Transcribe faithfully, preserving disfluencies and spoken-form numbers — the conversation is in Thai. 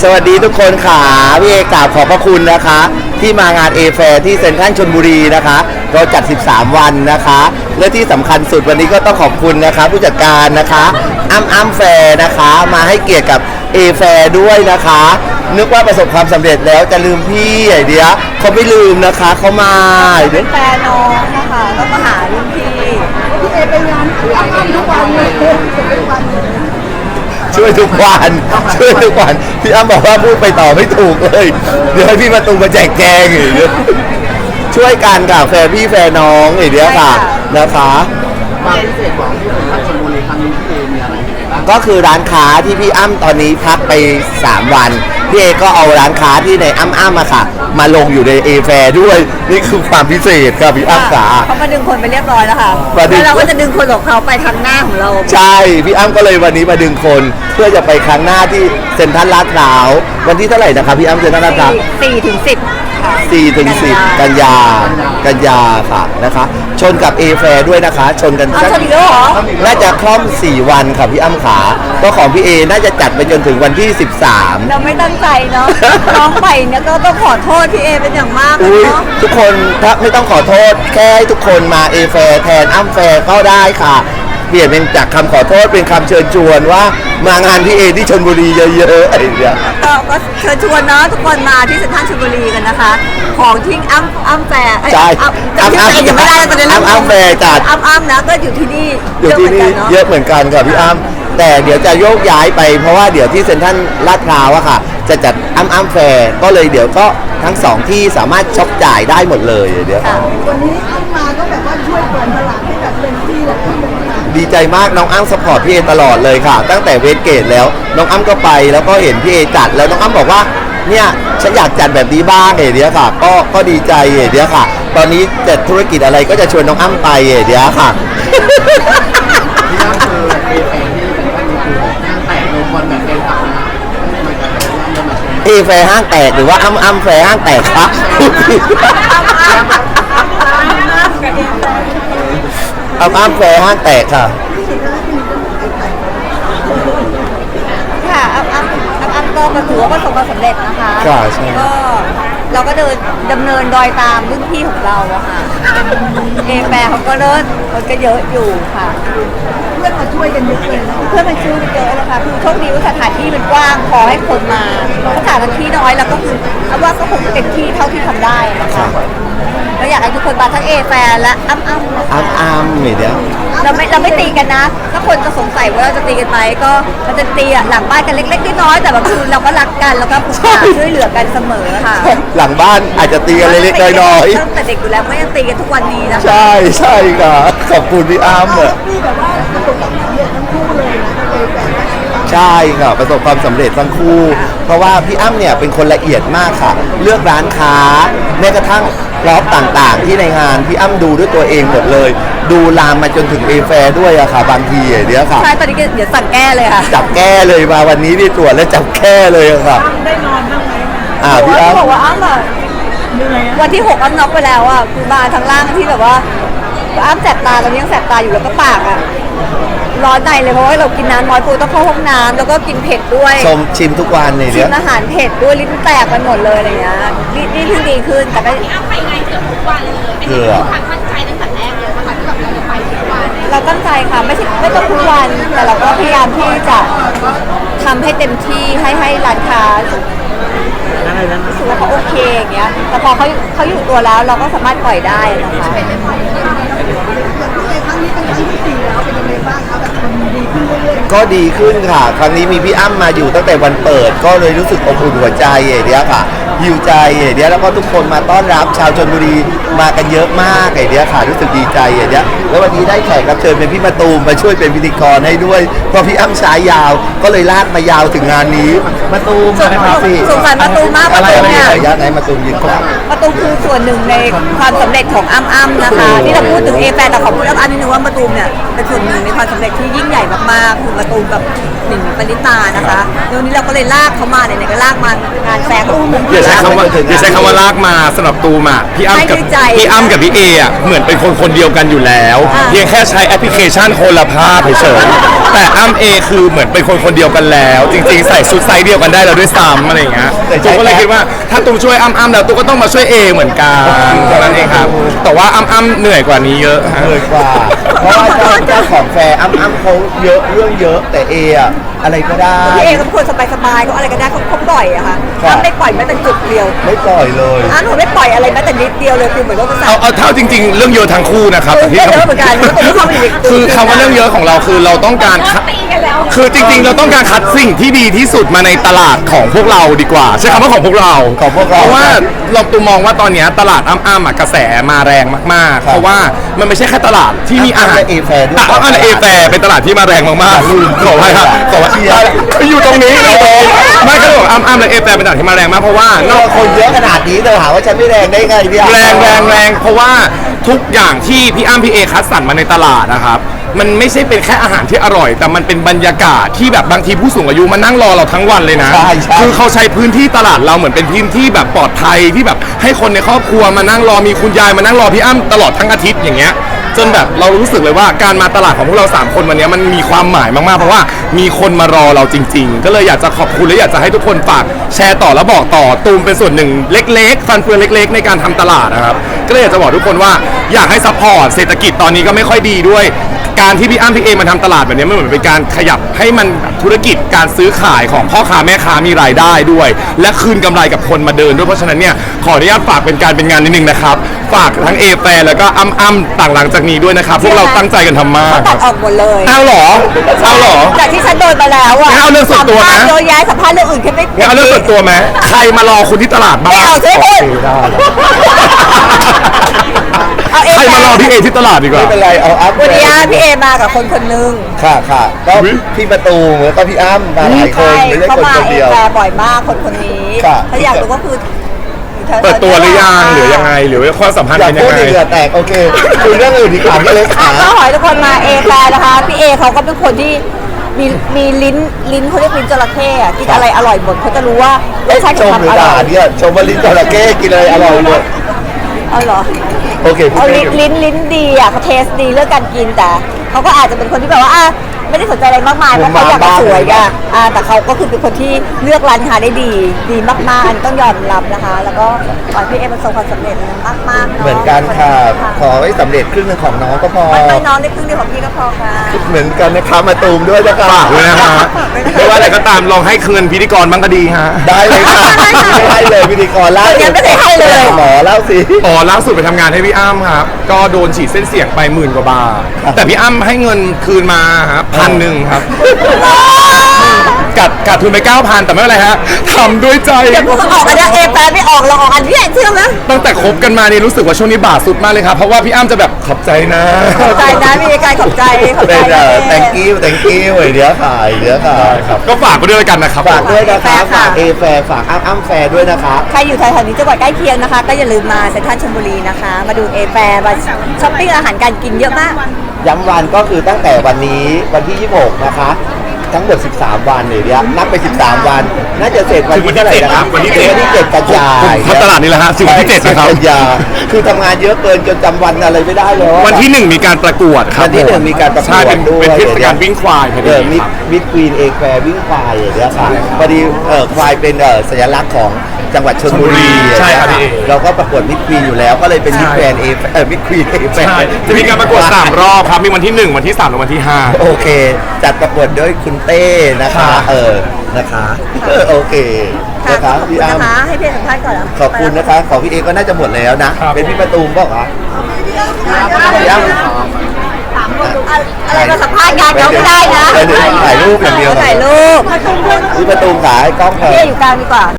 สวัสดีทุกคนค่ะพี่เอกราบขอบพระคุณนะคะที่มางานเอแฟร์ที่เซ็นทรัลชลบุรีนะคะเราจัดสิบสามวันนะคะและที่สำคัญสุดวันนี้ก็ต้องขอบคุณนะคะผู้จัดการนะคะอ้ำอ้ำแฟร์นะคะมาให้เกียรติกับเอแฟร์ด้วยนะคะนึกว่าประสบความสำเร็จแล้วจะลืมพี่ไอเดียเขาไม่ลืมนะคะเขามาเป็นแฟนน้องนะคะก็มาหารุ่นพี่พี่เอไปงานพี่อ้ำทุกวันเลยช่วยทุกวันช่วยทุกวันพี่อ้ำบอกว่าพูดไปต่อไม่ถูกเลยเดี๋ยวให้พี่มาตูมาแจกแจงอีกช่วยกันกับแฟนพี่แฟนน้องอีกเดียวค่ะนะคะความพิเศษของที่เป็นชลบุรีครั้งนี้พี่เอมีอะไรบ้างก็คือร้านค้าที่พี่อ้ำตอนนี้พักไปสามวันพี่เอก็เอาร้านค้าที่ในอ้ำอ้ำมาค่ะมาลงอยู่ในเอแฟร์ด้วยนี่คือความพิเศษครับพี่อ้ำขาเขามาดึงคนไปเรียบร้อยแล้วค่ะแล้วเราก็จะดึงคนของเขาไปทางหน้าของเราใช่พี่อ้ำก็เลยวันนี้มาดึงคนเพื่อจะไปครั้งหน้าที่เซ็นทรัลลาดพร้าววันที่เท่าไหร่นะครับพี่อ้ำเซ็นทรัลลาดพร้าวสี่ถึงสิบสี่ถึงสิบกันยากันยาค่ะนะคะชนกับเอแฟร์ด้วยนะคะชนกันอ้าวชนอีกแล้วเหรอน่าจะคล่อมสี่วันค่ะพี่อ้ำขาก็ของพี่เอน่าจะจัดไปจนถึงวันที่สิบสามเราไม่ตั้งใจเนาะน้องไปเนี่ยก็ต้องขอโทษพี่เอเป็นอย่างมากเนาะทุกคนถ้าไม่ต้องขอโทษแค่ให้ทุกคนมาเอแฟร์แทนอ้ำแฟร์ก็ได้ค่ะเปลี่ยนเป็นจากคำขอโทษเป็นคำเชิญชวนว่ามางานพี่เอที่ชลบุรีเยอะๆอะไรอย่างเงี้ยก็เชิญชวนเนาะทุกคนมาที่เซ็นทรัลชลบุรีกันนะคะของที่อ้ำอ้ำแฟร์ใช่อ้ำอ้ำยังไม่ได้ตอนนี้อ้ำอ้ำแฟร์จัดอ้ำอ้ำนะก็อยู่ที่นี่อยู่ที่นี่เยอะเหมือนกันค่ะพี่อ้ำแต่เดี๋ยวจะโยกย้ายไปเพราะว่าเดี๋ยวที่เซ็นทรัลลาดพร้าวอะค่ะจะจัดอ้ำอ้ำแฟร์ก็เลยเดี๋ยวก็ทั้งสองที่สามารถช็อปจ่ายได้หมดเลยเดี๋ยววันนี้อ้ำมาก็แบบว่าช่วยเปิดตลาดให้แบบเต็มที่เลยดีใจมากน้องอ้ำสปอร์ตพี่เอตลอดเลยค่ะตั้งแต่เวสเกตแล้วน้องอ้ำก็ไปแล้วก็เห็นพี่เอจัดแล้วน้องอ้ำบอกว่าเนี่ยฉันอยากจัดแบบนี้บ้างเอเดียค่ะก็ก็ดีใจเอเดียค่ะตอนนี้จัดธุรกิจอะไรก็จะชวนน้องอ้ำไปเอเดียค่ะที่นั่นคือเอแฟร์ที่เป็นวันนี้คือห้างแตกโดยคนแบบเป็นตับนะเอแฟร์ห้างแตกหรือว่าอ้ำอ้ำแฟร์ห้างแตกคะอ้ำอ้ำแฟร์ห้างแตกค่ะค่ะอ้ำอ้ำอ้ำก็ถือว่าประสบความสำเร็จนะคะค่ะใช่ก็เราก็เดินดำเนินรอยตามรุ่นพี่ของเราอะค่ะเอแฟร์เขาก็เลิศมันก็เยอะอยู่ค่ะเพื่อนมาช่วยกันเยอะเลยเพื่อนมาช่วยกันเยอะเลยค่ะคือโชคดีว่าสถานที่มันกว้างพอให้คนมาสถานที่น้อยแล้วก็คือเอาว่าก็คงเต็มที่เท่าที่ทำได้นะคะเราอยากให้ทุกคนมาทั้งเอแฟร์และอ้ำอ้ำอ้ำอ้ำเดี๋ยวเราไม่เราไม่ตีกันนะถ้าคนจะสงสัยว่าเราจะตีกันไหมก็เราจะตีหลังบ้านกันเล็กๆน้อยๆแต่แบบคือเราก็รักกันแล้วก็ช่วยเหลือกันเสมอค่ะหลังบ้านอาจจะตีกันเล็กๆน้อยๆตั้งแต่เด็กอยู่แล้วไม่ยังตีกันทุกวันนี้นะใช่ใช่ค่ะขอบคุณพี่อ้ำอ่ะใช่ค่ะประสบความสำเร็จทั้งคู่เพราะว่าพี่อ้ำเนี่ยเป็นคนละเอียดมากค่ะเลือกร้านค้าแม้กระทั่งรอบต่างๆที่ในงานพี่อ้ำดูด้วยตัวเองหมดเลยดูลามมาจนถึงเอแฟร์ด้วยอะค่ะบางทีเดี๋ยวค่ะใช่ตอนนี้เดี๋ยวสั่งแก้เลยค่ะจับแก้เลยมาวันนี้นี่ตรวจแล้วจับแก้เลยค่ะได้นอนบ้างไหมอ่าพี่อ้ำบอกว่าอ้ำอะวันที่หกอ้ำน็อกไปแล้วอะคือมาทางล่างที่แบบว่าอ้ำแสบตาตอนนี้ยังแสบตาอยู่แล้วก็ปากอะร้อนในเลยเพราะว่าเรากินน้ำน้อยปูต้องเข้าห้องน้ำแล้วก็กินเผ็ดด้วยชมชิมทุกวันเลยชิมอาหารเผ็ดด้วยลิ้นแตกกันหมดเลยอะไรเงี้ยนี่นี่เพิ่งดีขึ้นแต่ก็อ้ำไปไงเกือบทุกวันเลยไม่ได้มีความตั้งใจตั้งแต่แรกเลยนะคะที่แบบเราจะไปทุกวันเราตั้งใจค่ะไม่ใช่ไม่ต้องทุกวันแต่เราก็พยายามที่จะทำให้เต็มที่ให้ให้ร้านค้ารู้สึกว่าเขาโอเคอย่างเงี้ยแต่พอเขาเขาอยู่ตัวแล้วเราก็สามารถปล่อยได้นะคะก็ดีขึ้นค่ะครั้งนี้มีพี่อ้ำมาอยู่ตั้งแต่วันเปิดก็เลยรู้สึกอบอุ่นหัวใจเดียวค่ะหิวใจเดียวแล้วก็ทุกคนมาต้อนรับชาวชลบุรีมากันเยอะมากเดียวค่ะรู้สึกดีใจเดียวแล้ววันนี้ได้แขกรับเชิญเป็นพี่มะตูมมาช่วยเป็นพิธีกรให้ด้วยเพราะพี่อ้ำฉายยาวก็เลยลากมายาวถึงงานนี้มะตูมนะครับพี่สงสารมะตูมมากมะตูมเนี่ยยัดไหนมะตูมยิงครับมะตูมคือส่วนหนึ่งในความสำเร็จของอ้ำอ้ำนะคะที่เราพูดถึงเอแฟร์แต่ขอพูดอ้ำอ้ำนิดนึงว่ามะตูมเนี่ยเป็นส่วนหนึ่งในความสำเร็จที่ยิ่งใหญ่มากๆคือมะตูมกับหนิงปณิตานะคะวันนี้เราก็เลยลากเขามาเนี่ยก็ลากมางานแฟร์ก็อุ้มอย่าใช้คำว่าอย่าใช้คำว่าลากมาสำหรับตูมอ่ะพี่อ้ำกับพี่อ้ำกับพี่เออ่ะเหมือนเป็นคนคนเดียวกันอยู่แล้วเพียงแค่ใช้แอปพลิเคชันคนละภาพเฉยแต่อ้ำเอคือเหมือนเป็นคนคนเดียวกันแล้ว จริงๆใส่ชุดไซส์เดียวกันได้แล้วด้วยซ้ำอะไรอย่างเงี้ยตูมก็เลยคิดว่าถ้าตูมช่วยอ้ำอ้ำแล้วตูมก็ต้องมาช่วยเอเหมือนกันเท่านั้นเองครับแต่ว่าอ้ำอ้ำเหนื่อยกว่านี้เยอะฮะเลยกว่า เพราะว่าเจ้าเจ้าของแฟร์อ้ำอ้ำเขาเยอะเรื่องเยอะแต่เออะอะไรก็ได้พี่เอเขาเป็นคนสบายๆเขาอะไรก็ได้เขาเขาปล่อยอะค่ะครับอ้ำไม่ปล่อยแม้แต่จุดเดียวไม่ปล่อยเลยอ้ำหนูไม่ปล่อยอะไรแม้แต่นิดเดียวเลยคือเหมือนว่าภาษาเอาเอาเท่าจริง ๆ เรื่องเยอะทั้งคู่นะครับแต่ที่เยอะเหมือนกันแล้วตัวเขาเป็นเด็กคือคำว่าเรื่องเยอะของเราคือเราต้องการคัดตีกันแล้วคือจริงๆ เราต้องการคัดสิ่งที่ดีที่สุดมาในตลาดของพวกเราดีกว่าใช้คำว่าของพวกเราของพวกเราเพราะว่าเราตูมองว่าตอนเนี้ยตลาดอ้ำๆอ่ะกระแสมาแรงมากๆ เพราะว่ามันไม่ใช่แค่ตลาดที่มีอาหารอ้ำและ A Fair ด้วยอ่ะอ้ำและเอแฟร์เป็นตลาดที่มาแรงมากๆขอให้ครับขอให้อยู่ตรงนี้เลยไม่ก็บอกอ้ำๆและเอแฟร์เป็นตลาดที่มาแรงมากเพราะว่านนออก กคนเยอะขนาดนี้เธอหาว่าฉันไม่แรงได้ไงเนี่ยแรงแรงแรงเพราะว่าทุกอย่างที่พี่อ้ำพี่เอคัดสรรมาในตลาดนะครับ มันไม่ใช่เป็นแค่อาหารที่อร่อย แต่มันเป็นบรรยากาศที่แบบบางทีผู้สูงอายุมานั่งรอเราทั้งวันเลยนะใช่ใช่คือเขาใช้พื้นที่ตลาดเราเหมือนเป็นพื้นที่แบบปลอดภัยที่แบบให้คนในครอบครัวมานั่งรอมีคุณยายมานั่งรอพี่อ้ำตลอดทั้งอาทิตย์อย่างเงี้ยจนแบบเรารู้สึกเลยว่าการมาตลาดของพวกเราสามคนวันนี้มันมีความหมายมากๆเพราะว่ามีคนมารอเราจริง ๆ ก็เลยอยากจะขอบคุณและอยากจะให้ทุกคนฝากแชร์ต่อและบอกต่อตูมเป็นส่วนหนึ่งเล็กๆ ฟันเฟืองเล็ก ๆ ในการทำตลาดนะครับก็เลยอยากจะบอกทุกคนว่าอยากให้ซัพพอร์ตเศรษฐกิจตอนนี้ก็ไม่ค่อยดีด้วย การที่พี่อ้ำพี่เอมาทำตลาดแบบนี้มันเหมือนเป็นการขยับให้มันธุรกิจการซื้อขายของพ่อค้าแม่ค้ามีรายได้ด้วย และคืนกำไรกับคนมาเดินด้วยเพราะฉะนั้นเนี่ยขออนุญาตฝากเป็นการเป็นงานนิดนึงนะครับฝากทั้งเอแฟร์แล้วก็อ้ำอ้ำต่างหลังจากนี้ด้วยนะครับพวกเราตั้งใจกันทำมากตัดออกหมดเลยเอาเหรอเอาเหรอจากที่ฉันโดนมาแล้วอะงั้นเอาเรื่องส่วนตัวนะสัมภาษณ์เยอะแยะสัมภาษณ์เรื่องอื่นแค่ไม่งั้นเอาเรื่องส่วนตัวไหมใครมารอคุณที่ตลาดบ้างไม่เอาใช่ไหมโอเคได้เอาเอใครมารอพี่เอที่ตลาดดีกว่าไม่เป็นไรเอาอ้ำวันนี้พี่เอมากับคนคนนึงค่ะค่ะก็อุ๊ยพี่ประตูแล้วก็พี่อ้ำมาหลายคนใช่ไม่ใช่เขาคนมาคนเอเดียวแฟร์บ่อยมากคนคนนี้ค่ะถ้าอยากรู้ก็คืออยู่แถๆเปิดตัวหรือยังหรือยังไงหรือว่าความสัมพันธ์อย่าเป็นยัพูงดไงในเหงื่อแตกโอเคคุยเรื่องอื่นดีกว่าพี่เล็กอ่ะขาก็ขอให้ทุกคนมาเอแฟร์นะคะพี่เอเขาก็เป็นคนที่มีมีลิ้นลิ้นเขาเรียกลิ้นจระเข้อะกินอะไรอร่อยหมดเขาจะรู้ว่ารสชาติชของมหมันรืออด่าร่อยเนี่ยชมว่าลิ้นจระเข้กินอะไรอร่อยหมดเอาเหรอโอเคพูดเอาไม่ลิ้นถูกลิ้นลิ้นดีอ่ะเขาเทสดีเรื่องการกินแต่เขาก็อาจจะเป็นคนที่แบบว่าอ่ะไม่ได้สนใจอะไรมากมายเพราะเขาอยากจะสวยกันอ่ะแต่เขาก็คือเป็นคนที่เลือกร้านค้าได้ดีดีมากๆอันนี้ต้องยอมรับนะคะ แล้วก็ขอให้พี่เอประสบความสำเร็จมากๆเนาะเหมือนกันค่ะ ขอให้สำเร็จครึ่งหนึงของน้องก็พอไม่ไม่น้องได้ครึ่งเดียวของพี่ก็พอค่ะเหมือนกันนะคะมาตูมด้วยนะคะฝากด้วยนะฮะไม่ว่าอะไรก็ตามลองให้คืนพิธีกรบ้างก็ดีฮะได้เลยค่ะไม่ให้เลยพิธีกรล่าสุดยังไม่ได้ให้เลยหมอเล่าสิอ๋อล่าสุดไปทำงานให้พี่อ้ำครับ ก็โดนฉีดเส้นเสียงไปหมื่นกว่าบาท แต่พี่อ้ำให้เงินคืนมาครับพันหนึ่งครับ กัดกัดทุนไปเก้าพันแต่ไม่เป็นไรฮะทำด้วยใจเดี๋ยวพวกเขาออกอันนี้เอแฟร์ไม่ออกเราออกอันนี้เชื่อไหมตั้งแต่คบกันมานี่รู้สึกว่าช่วงนี้บาทสุดมากเลยครับ เพราะว่าพี่อ้ำจะแบบขอบใจนะขอบใจนะมีการขอบใจขอบใจเป็นนะเอ่อ thank you thank you ไอ้เดี๋ยวขายเดี๋ยวขายครับก็ฝากไปด้วยกันนะครับฝากด้วยนะคะฝากเอแฟร์ฝากอ้ำอ้ำแฟร์ด้วยนะคะใครอยู่แถวๆนี้จังหวัดใกล้เคียงนะคะ ก็อย่าลืมมาเซ็นทรัลชลบุรีนะคะ มาดูเอแฟร์มาช้อปปิ้งอาหารการกินเยอะมากย้ำวันก็คือตั้งแต่วันนี้วันที่ยี่สิบหกนะคะ ทั้งหมดสิบสามวันเลยเนี่ยนับไปสิบสามวัน น่าจะเสร็จวันที่เท่าไหร่นะครับวันที่เจ็ดวันที่เจ็ดกันยาผมทำตลาดนี่แหละฮะถึงวันที่เจ็ดนะครับกันยาคือทำงานเยอะเกินจนจำวันอะไรไม่ได้เลยวันที่หนึ่งมีการประกวดครับวันที่หนึ่งมีการประกวดใช่เป็นด้วยเป็นเทศกาลวิ่งควายพอเอดีอมิดครับมิดควีนเอแควร์วิ่งควายอย่างเงี้ยค่ะพอดีเออควายเป็นเออสัญลักษณ์ของจังหวัดชลบุรีใช่ครับอย่างพี่เงี้ยเอเราก็ประกวดมิดควีนอยู่แล้วก็เลยเป็นมิดใช่แกรนเอเออมิดควีนเอแควใช่ร์จะมีการประกวดสามรอบครับ มีวันที่หนึ่งวันที่สามและวันที่ห้าโอเค จัดประกวดด้วยคุณเต้นะคะค่ะเออนะคะเออโอเคค่ะนะขคะอบคุณพี่อ้ำนะคะ ให้พี่สัมภาษณ์ก่อนนะขอบคุณนะคะของพี่เอก็น่าจะหมดแล้วนะครับเป็นพี่ประตูมบอกเหรอพี่อ้ำอะไรมาสัมภาษณ์งานเขาไม่ได้นะเดี๋ยวถ่ายรูปอย่างเดียวถ่ายรูปพี่ประตูมขายกล้องเถพี่อะอยู่กลางดีกว่า